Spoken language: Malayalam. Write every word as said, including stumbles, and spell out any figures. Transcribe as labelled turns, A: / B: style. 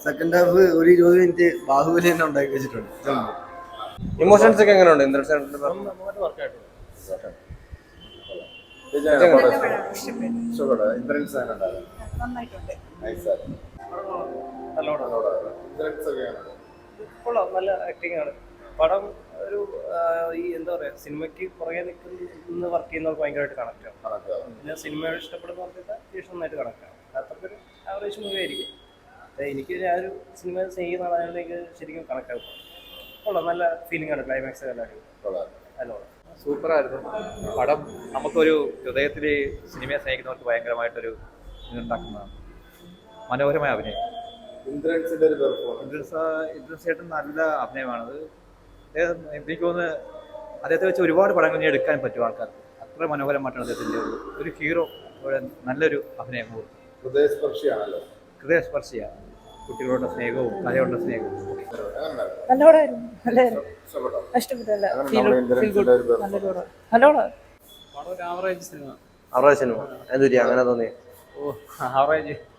A: സെക്കൻഡ് ഹാഫ് ഒരു ഇരുപത് മിനിറ്റ് ബാഹുബലി തന്നെ ഉണ്ടാക്കി വെച്ചിട്ടുണ്ട്.
B: ഇമോഷൻസ് ഒക്കെ എങ്ങനെയുണ്ട്? ഇന്ദ്രൻസ്
C: നല്ല ആക്ടിങ് ആണ്. പടം ഒരു ഈ എന്താ പറയാ, സിനിമയ്ക്ക് പുറകെ നിൽക്കുന്ന വർക്ക് ചെയ്യുന്നവർക്ക് ഭയങ്കരമായിട്ട് കണക്ട് ആവും. പിന്നെ സിനിമയോട് ഇഷ്ടപ്പെടുന്ന പറഞ്ഞാൽ അത്യാവശ്യം നന്നായിട്ട് കണക്ട് ആവും. അത്രക്കൊരു ആവറേജ് മൂവി ആയിരിക്കും. എനിക്ക് ഞാനൊരു സിനിമ ചെയ്യുന്ന ആളായതുകൊണ്ട് എനിക്ക് ശരിക്കും കണക്ട് ആവും. കൊള്ളാം, നല്ല ഫീലിംഗ് ആണ്. ക്ലൈമാക്സ് നല്ല
D: സൂപ്പറായിരുന്നു പടം. നമുക്കൊരു ഹൃദയത്തിൽ സിനിമയെ സ്നേഹിക്കുന്നവർക്ക് ഭയങ്കരമായിട്ടൊരു ഇതുണ്ടാക്കുന്നതാണ്. മനോഹരമായ അഭിനയം.
B: ഇന്ദ്രൻസിന്റെ ഒരു പെർഫോമൻസ്.
D: ഇന്ദ്രൻസ് ഇന്ദ്രൻസ് ചേട്ടൻ നല്ല അഭിനയമാണത്. അദ്ദേഹം എനിക്ക് തോന്നുന്നു അദ്ദേഹത്തെ വെച്ച് ഒരുപാട് പടങ്ങൾ ഇനി എടുക്കാൻ പറ്റും ആൾക്കാർക്ക്. അത്ര മനോഹരമായിട്ടാണ് അദ്ദേഹത്തിൻ്റെ ഒരു ഹീറോ നല്ലൊരു അഭിനയം.
B: ഹൃദയസ്പർശിയാണല്ലോ.
D: ഹൃദയസ്പർശിയാണ്. കുട്ടികളുടെ സ്നേഹവും കലയുടെ സ്നേഹവും
C: ആവറേജ് സിനിമ.
B: ആവറേജ് സിനിമ എന്തുപറ്റി അങ്ങനെ തോന്നി?
C: ഓ ആവറേജ്